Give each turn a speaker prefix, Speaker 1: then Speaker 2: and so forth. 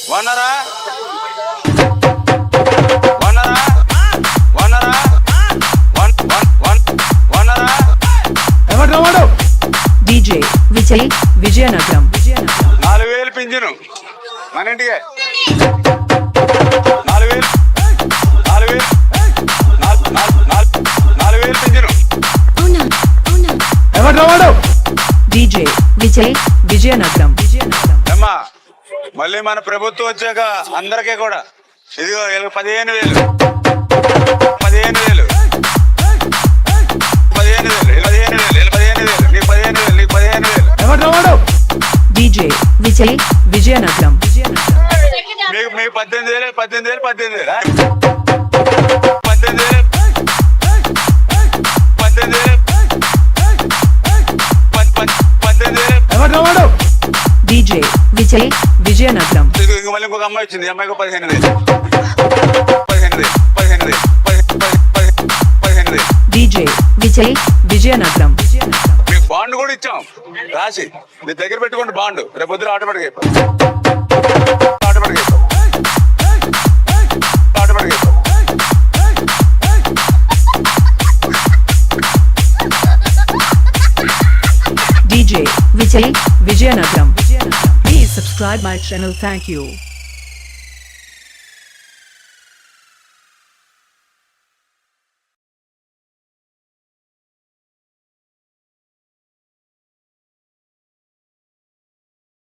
Speaker 1: వనరా వనరా వనరా వనరా
Speaker 2: ఎవరు వాడు?
Speaker 3: డీజే విజయ్ విజయనగరం
Speaker 1: 4000 పింఛను మన ఇంటికి 4000 పింఛను.
Speaker 2: ఎవరు వాడు?
Speaker 3: డీజే విజయ్ విజయనగరం
Speaker 1: అమ్మా మళ్ళీ మన ప్రభుత్వం వచ్చాక అందరికీ కూడా ఇదిగో 15,000
Speaker 2: ఎవరు వాడు?
Speaker 3: డీజే విజయ్ విజయనగరం
Speaker 1: మీకు 18,000
Speaker 2: ఎవరు వాడు?
Speaker 3: డీజే విజయ్ విజయనగరం
Speaker 1: ఇంక మళ్ళీ ఇంకొక అమ్మాయి వచ్చింది. ఈ అమ్మాయికి 15,000
Speaker 3: డీజే విజయ్ విజయనగరం
Speaker 1: మీకు బాండ్ కూడా ఇచ్చాం రాసి మీ దగ్గర పెట్టుకోండి. బాండ్ రేపు పొద్దున automatic
Speaker 3: DJ Vijay Vijayanagaram. Please subscribe my channel. Thank you.